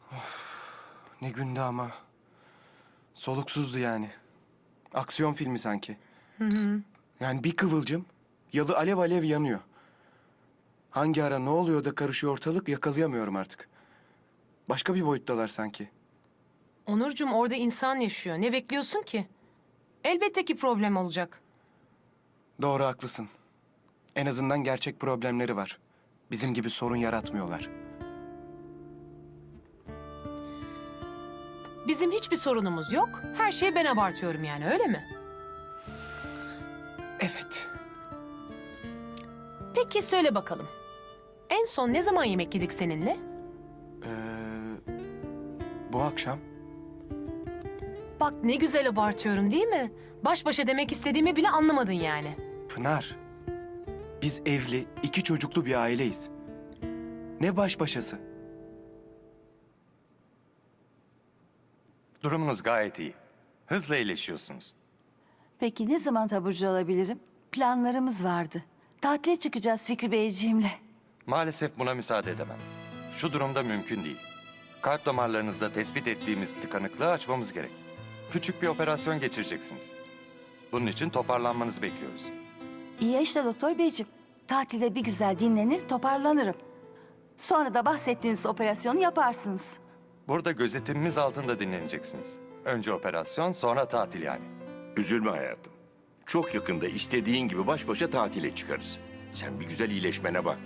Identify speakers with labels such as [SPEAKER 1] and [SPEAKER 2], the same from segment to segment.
[SPEAKER 1] Ne gündü ama. Soluksuzdu yani. Aksiyon filmi sanki. Yani bir kıvılcım, yalı alev alev yanıyor. Hangi ara ne oluyor da karışıyor ortalık yakalayamıyorum artık. Başka bir boyuttalar sanki.
[SPEAKER 2] Onurcuğum orada insan yaşıyor. Ne bekliyorsun ki? Elbette ki problem olacak.
[SPEAKER 1] Doğru haklısın. En azından gerçek problemleri var. Bizim gibi sorun yaratmıyorlar.
[SPEAKER 2] Bizim hiçbir sorunumuz yok. Her şeyi ben abartıyorum yani öyle mi?
[SPEAKER 1] Evet.
[SPEAKER 2] Peki söyle bakalım. En son ne zaman yemek yedik seninle?
[SPEAKER 1] Bu akşam
[SPEAKER 2] Bak ne güzel abartıyorum değil mi? Baş başa demek istediğimi bile anlamadın yani.
[SPEAKER 1] Pınar. Biz evli, 2 çocuklu bir aileyiz. Ne baş başası?
[SPEAKER 3] Durumunuz gayet iyi. Hızla iyileşiyorsunuz.
[SPEAKER 4] Peki ne zaman taburcu olabilirim? Planlarımız vardı. Tatile çıkacağız Fikri Beyciğimle.
[SPEAKER 3] Maalesef buna müsaade edemem. Şu durumda mümkün değil. Kalp damarlarınızda tespit ettiğimiz tıkanıklığı açmamız gerek. Küçük bir operasyon geçireceksiniz. Bunun için toparlanmanızı bekliyoruz.
[SPEAKER 4] İyi işte doktor beyciğim. Tatilde bir güzel dinlenir, toparlanırım. Sonra da bahsettiğiniz operasyonu yaparsınız.
[SPEAKER 3] Burada gözetimimiz altında dinleneceksiniz. Önce operasyon, sonra tatil yani.
[SPEAKER 5] Üzülme hayatım. Çok yakında istediğin gibi baş başa tatile çıkarız. Sen bir güzel iyileşmene bak.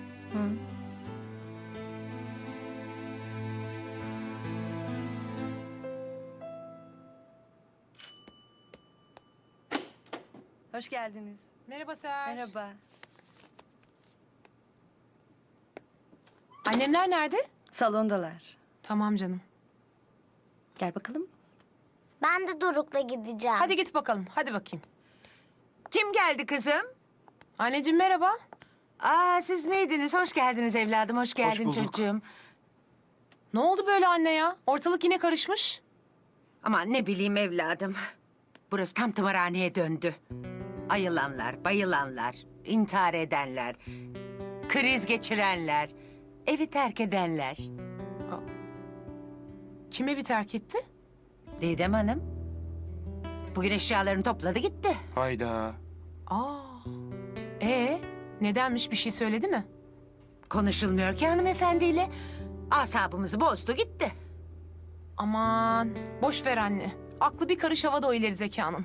[SPEAKER 4] Hoş geldiniz.
[SPEAKER 2] Merhaba Ser.
[SPEAKER 4] Merhaba.
[SPEAKER 2] Annemler nerede?
[SPEAKER 4] Salondalar.
[SPEAKER 2] Tamam canım.
[SPEAKER 4] Gel bakalım.
[SPEAKER 6] Ben de Doruk'la gideceğim.
[SPEAKER 2] Hadi git bakalım. Hadi bakayım.
[SPEAKER 7] Kim geldi kızım?
[SPEAKER 2] Anneciğim merhaba.
[SPEAKER 7] Aa siz miydiniz? Hoş geldiniz evladım, hoş geldin
[SPEAKER 1] bulduk.
[SPEAKER 7] çocuğum.
[SPEAKER 2] Ne oldu böyle anne ya? Ortalık yine karışmış.
[SPEAKER 7] Aman ne bileyim evladım. Burası tam tımarhaneye döndü. Ayılanlar, bayılanlar, intihar edenler, kriz geçirenler, evi terk edenler.
[SPEAKER 2] Kim evi terk etti?
[SPEAKER 7] Didem Hanım, bugün eşyalarını topladı gitti.
[SPEAKER 1] Hayda.
[SPEAKER 2] Aa. Nedenmiş bir şey söyledi mi?
[SPEAKER 7] Konuşulmuyor ki hanımefendiyle. Asabımızı bozdu gitti.
[SPEAKER 2] Aman boş ver anne. Aklı bir karış havada o ileri zekanın.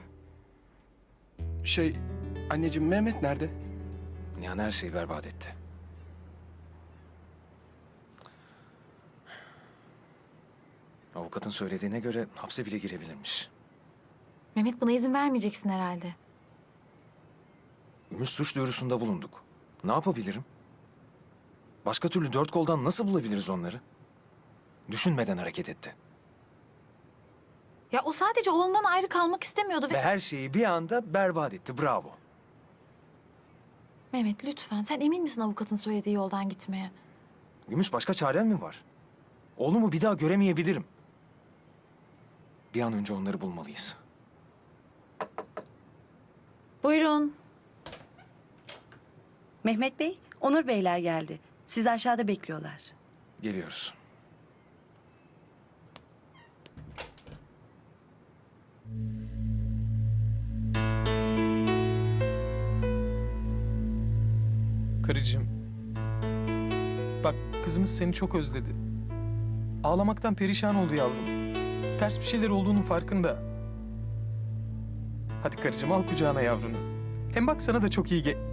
[SPEAKER 1] Anneciğim Mehmet nerede?
[SPEAKER 8] Nihan her şeyi berbat etti. Avukatın söylediğine göre hapse bile girebilirmiş.
[SPEAKER 9] Mehmet buna izin vermeyeceksin herhalde.
[SPEAKER 8] Gümüş suç duyurusunda bulunduk. Ne yapabilirim? Başka türlü 4 koldan nasıl bulabiliriz onları? Düşünmeden hareket etti.
[SPEAKER 9] Ya o sadece oğlundan ayrı kalmak istemiyordu
[SPEAKER 8] Ve
[SPEAKER 9] ve...
[SPEAKER 8] her şeyi bir anda berbat etti. Bravo.
[SPEAKER 9] Mehmet lütfen sen emin misin avukatın söylediği yoldan gitmeye?
[SPEAKER 8] Gümüş başka çaren mi var? Oğlumu bir daha göremeyebilirim. Bir an önce onları bulmalıyız.
[SPEAKER 9] Buyurun.
[SPEAKER 4] Mehmet Bey, Onur Beyler geldi. Sizi aşağıda bekliyorlar.
[SPEAKER 8] Geliyoruz.
[SPEAKER 10] Karıcığım. Bak kızımız seni çok özledi. Ağlamaktan perişan oldu yavrum. Ters bir şeyler olduğunun farkında. Hadi karıcığım al kucağına yavrunu. Hem bak sana da çok iyi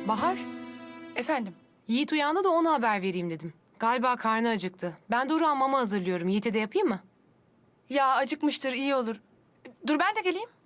[SPEAKER 2] Bahar,
[SPEAKER 11] Efendim?
[SPEAKER 2] Yiğit uyandı da ona haber vereyim dedim. Galiba karnı acıktı. Ben Doruk'a mama hazırlıyorum. Yiğit'e de yapayım mı?
[SPEAKER 11] Ya acıkmıştır, iyi olur. Dur ben de geleyim.